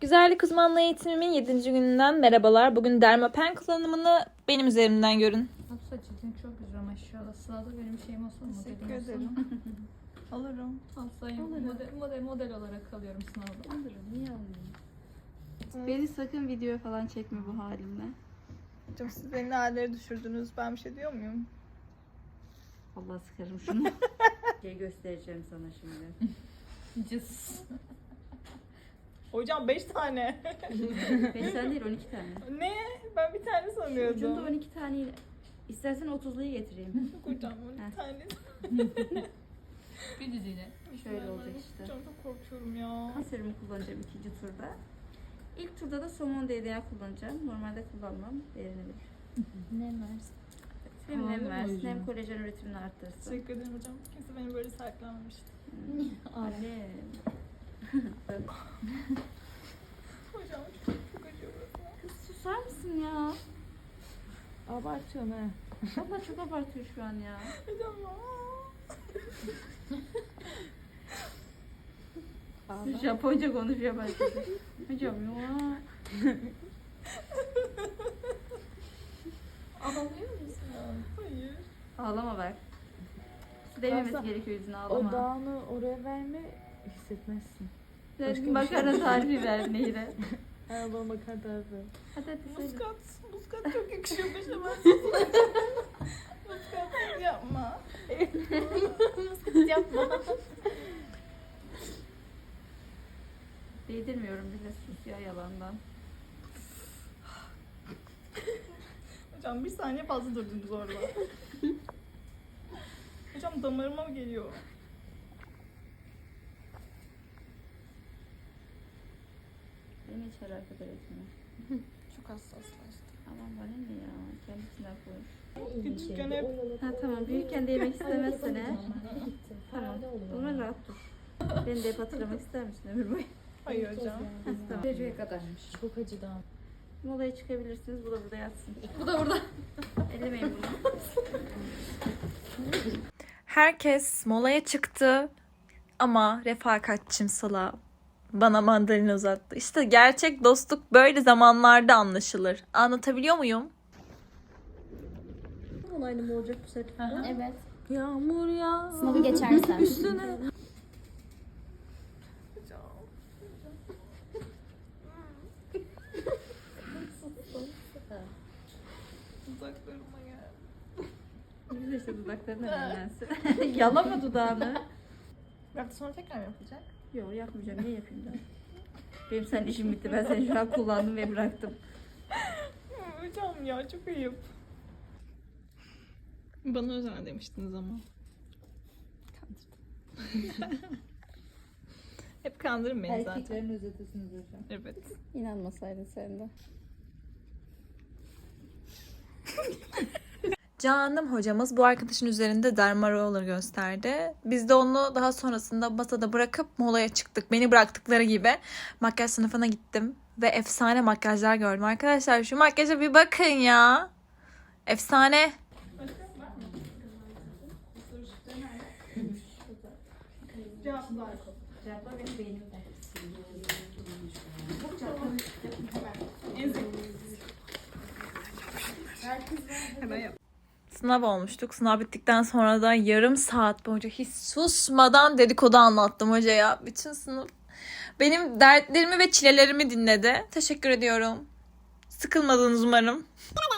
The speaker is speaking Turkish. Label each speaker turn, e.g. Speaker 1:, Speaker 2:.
Speaker 1: Güzellik uzmanlığı eğitimimin 7. gününden merhabalar. Bugün Dermapen kullanımını benim üzerimden görün.
Speaker 2: Saç için çok güzel maşallah. Sırada benim şeyim olsun mu?
Speaker 1: Teşekkür ederim. Alırım.
Speaker 2: Alsayım model olarak alıyorum sınavda.
Speaker 3: Alırım, niye almayayım? Beni sakın video falan çekme bu halimle.
Speaker 1: Hocam siz beni ne hallere düşürdünüz. Ben bir şey diyor muyum?
Speaker 3: Allah sıkarım şunu. Şey göstereceğim sana şimdi.
Speaker 2: Cız.
Speaker 1: Hocam 5 tane.
Speaker 3: 5 tane değil 12 tane.
Speaker 1: Ne? Ben bir tane
Speaker 3: Ucunda
Speaker 1: sanıyordum.
Speaker 3: 12 tane. İstersen 30'luyu getireyim.
Speaker 1: Hocam 12 tane.
Speaker 2: Bir diziyle.
Speaker 3: Şöyle olacak işte.
Speaker 1: Hocam çok korkuyorum ya.
Speaker 3: Kan serumu kullanacağım ikinci turda. İlk turda da somon DDA kullanacağım. Normalde kullanmam. Değerini bilir.
Speaker 2: Ne versin?
Speaker 3: Hem nem
Speaker 1: Anladım
Speaker 3: versin
Speaker 1: hocam.
Speaker 3: hem kolajen üretimini arttırsın.
Speaker 1: Teşekkür ederim hocam. Kimse beni böyle sahiplenmemişti.
Speaker 3: Alem.
Speaker 1: Hocam çok acıyor burası.
Speaker 3: Kız susar mısın ya?
Speaker 1: Abartıyorum he.
Speaker 3: Valla çok abartıyor şu an ya.
Speaker 1: Hocam ya.
Speaker 3: Japonca konuşuyor başladı. Hocam ya.
Speaker 2: Ağlıyor musun?
Speaker 1: Hayır.
Speaker 3: Ağlama bak. Su değmemesi gerekiyor yüzüne ağlama.
Speaker 4: O dağını oraya verme hissetmezsin.
Speaker 3: Sen makarna tarifi ver neydi?
Speaker 4: Araba makar tarafı.
Speaker 3: Hadi söyle.
Speaker 1: Muskat çok yakışıyor başıma. Muskat yapma. Muskat yapma.
Speaker 3: Değdirmiyorum bile sus ya yalandan.
Speaker 1: Hocam bir saniye fazla durdunuz orada. Hocam damarıma mı geliyor?
Speaker 3: Beni hiç alakadar etmiyor.
Speaker 1: Çok hassaslaştım.
Speaker 3: Aman bana ne ya? Kendisinden konuş.
Speaker 1: Küçükken hep
Speaker 3: Ha tamam büyükken de yemek istemezsen eğer. Tamam. O zaman rahat dur. Beni de hep hatırlamak ister misin ömür boyu?
Speaker 1: hayır hocam.
Speaker 3: Ha, tamam. Dereceye kadarmış.
Speaker 4: Çok acıdı ama.
Speaker 3: Molaya çıkabilirsiniz. Bu da burada yatsın. Bu da burada. Ellemeyin bunu.
Speaker 1: Herkes molaya çıktı ama refakatçim Sıla bana mandalina uzattı. İşte gerçek dostluk böyle zamanlarda anlaşılır. Anlatabiliyor muyum?
Speaker 4: Olaylı mı olacak bu sefer?
Speaker 2: Evet.
Speaker 4: Yağmur ya.
Speaker 2: Sınavı geçersen.
Speaker 4: Üstüne.
Speaker 1: Uzaklarıma gel.
Speaker 3: Biz de işte dudaklarına nemlensin. Yalama dudağını.
Speaker 1: Bir hafta sonra tekrar mı yapacak?
Speaker 3: Yok yapmayacağım. Niye yapayım ben? Benim senin işim bitti. Ben seni şu an kullandım ve bıraktım.
Speaker 1: Hocam ya çok ayıp. Bana özel demiştiniz ama. Hep kandırın beni zaten.
Speaker 3: Erkeklerin özetisiniz hocam.
Speaker 1: Evet.
Speaker 3: İnanmasaydın sen de.
Speaker 1: Canım hocamız bu arkadaşın üzerinde derma roller gösterdi. Biz de onu daha sonrasında masada bırakıp molaya çıktık. Beni bıraktıkları gibi makyaj sınıfına gittim. Ve efsane makyajlar gördüm. Arkadaşlar şu makyaja bir bakın ya. Efsane.
Speaker 3: Cevaplar benim beynimde.
Speaker 1: Sınav olmuştuk. Sınav bittikten sonra da yarım saat boyunca hiç susmadan dedikodu anlattım hocaya. Bütün sınıf benim dertlerimi ve çilelerimi dinledi. Teşekkür ediyorum. Sıkılmadınız umarım.